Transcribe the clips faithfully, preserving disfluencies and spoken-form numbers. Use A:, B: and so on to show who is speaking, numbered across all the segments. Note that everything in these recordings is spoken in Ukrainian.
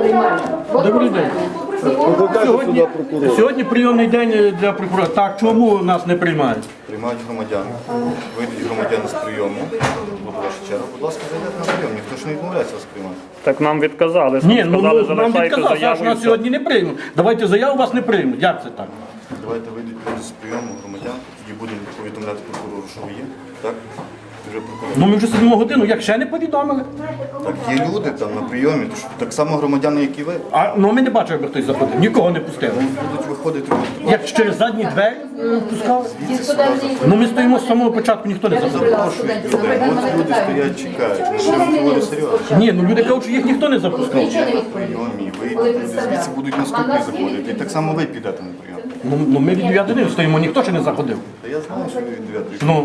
A: Добрий день. Сьогодні, сьогодні прийомний день для прокурора. Так, чому нас не приймають?
B: Приймають громадян. Вийдуть громадяни з прийому. Буде ваша черга. Будь ласка, зайдете на прийом. Ніхто ж не відмовляється вас приймати.
C: Так нам відказали.
A: Ні, ну,
C: сказали,
A: ну нам
C: залишайте
A: відказав,
C: заяву
A: що
C: і
A: нас
C: все.
A: сьогодні не приймуть. Давайте заяву, вас не приймуть. Як це так?
B: Давайте вийдуть люди з прийому громадян, тоді будемо повідомляти прокурору, що ви є. Так? Вже прокурор.
A: Ну ми вже сидимо годину, як ще не повідомили.
B: Так, є люди там на прийомі, то що так само громадяни, як і ви.
A: А ну ми не бачили, аби хтось заходив. Нікого не пустили.
B: Будуть виходити.
A: Як через задні двері е, пускали. Ну ми стоїмо з самого початку, ніхто не заходив.
B: Запрошують людей. От люди стоять, чекають. Ну, що ви говорите серйозно?
A: Ні, ну люди кажуть, що їх ніхто не запускав.
B: На прийомі, вийдуть люди, звідси будуть наступні заходити. І так само ви підете на прийом.
A: Ну, ну ми від дев'яти години стоїмо, ніхто ще не заходив.
B: Та я знаю, що ви від дев'ятої.
A: Ну,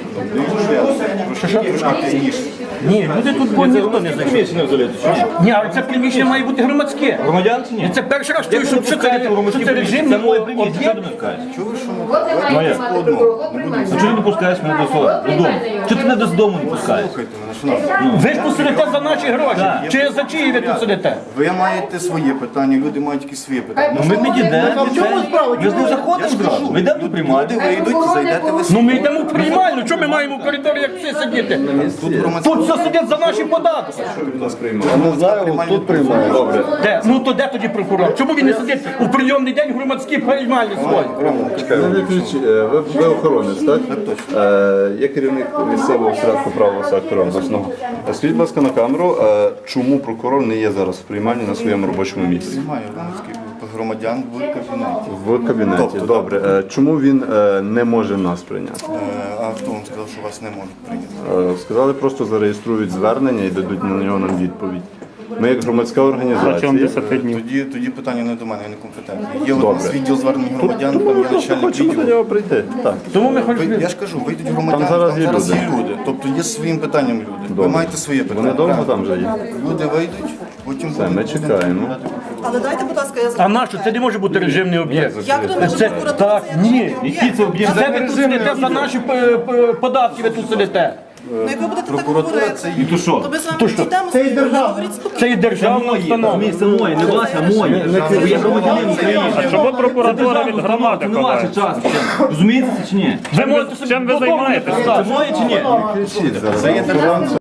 B: Трошки трошки пізніше.
A: ні, люди тут бо ніхто не зайшов. Ні, але це приміщення має бути громадське.
D: Громадян чи
A: І
D: ні?
A: це перший раз чую, що що це, що це режим.
D: Це моє приміщення, що ти не вкаєш?
B: Чого ви що ми? Давайте по одному. Не будемо.
D: А чого ти не пускаєш мене до свого додому? Чого ти не до дому не пускаєш?
B: Слухайте мене, шановні.
A: Ви ж тут сидите за наші гроші. Чи за чиї ви тут сидите?
B: Ви маєте своє питання, люди мають якісь свої питання.
D: Ну ми підійдемо, ми з ним заходимо зразу. Ми йдемо до
B: Люди
D: приймати.
B: вийдуть, зайдете ви
A: Ну ми йдемо в приймальну, чому ми маємо в коридорі, як всі сидіти?
B: тут громадські.
A: Тут все сидять за наші податки.
B: Не знаю, тут приймають. Добре.
A: Де? Ну то де тоді прокурор? Чому він не сидить у прийомний день в громадській приймальні свої?
E: Не виключ- е, Ви, ви охоронець, так? Е, Я керівник місцевого осередку правого сектору обласного. Е, Скажіть, будь ласка, на камеру, е, чому прокурор не є зараз в приймальні на своєму робочому місці?
B: Немає громадських громадян в кабінеті.
E: В кабінеті.
B: Тобто,
E: Добре. Е, Чому він е, не може нас прийняти?
B: Е, А хто вам сказав, що вас не можуть прийняти?
E: Е, Сказали, просто зареєструють звернення і дадуть на нього нам відповідь. Ми як громадська
C: Протягом
E: організація.
C: десяти днів.
B: Тоді, тоді питання не до мене, я не компетентний. Є у
E: Добре.
B: нас відділ звернень громадян, там є
E: Просто
B: начальник
E: хочемо до
B: відділу.
E: нього прийти. Так.
A: Тому ми
B: Ви-
A: хочемо.
B: Я ж кажу, вийдуть громадяни,
E: Там
B: там
E: зараз
B: зараз,
E: є
B: є
E: люди.
B: люди. Тобто є своїм питанням люди. Ви
E: Добре.
B: маєте своє питання.
E: Вони довго
B: правильно?
E: там вже є?
B: Люди вийдуть, потім
E: Все,
B: будуть-
E: ми
B: будемо
E: чекаємо.
B: повідомляти.
F: Але дайте, будь ласка, я
A: А
F: запитаю.
A: нащо? Це не може бути режимний об'єкт.
F: Як то може
A: Це
F: прокуратура
A: так,
F: це
A: ні.
F: режимний
D: Який це об'єкт?
A: Це ви тут сидите за наші е, е, податки, ви тут сидите.
F: Ну, як ви будете так
B: Прокуратура
F: говорити,
B: це
D: І то що?
F: то ми з вами дійдемо
A: Це і
F: спокійно,
A: держава.
F: говоріть спокійно.
A: Це і державна установа.
D: Місце моє, не ваше, а моє. Бо я громадянин України.
C: А чому прокуратура від громади
D: Це не ваше
C: ховає?
D: час. Розумієте це чи ні?
A: Ви можете собі
C: Чим ви
A: додому не
C: займаєтесь?
A: пускати.
D: Це моє чи ні?
E: Кричіть зараз.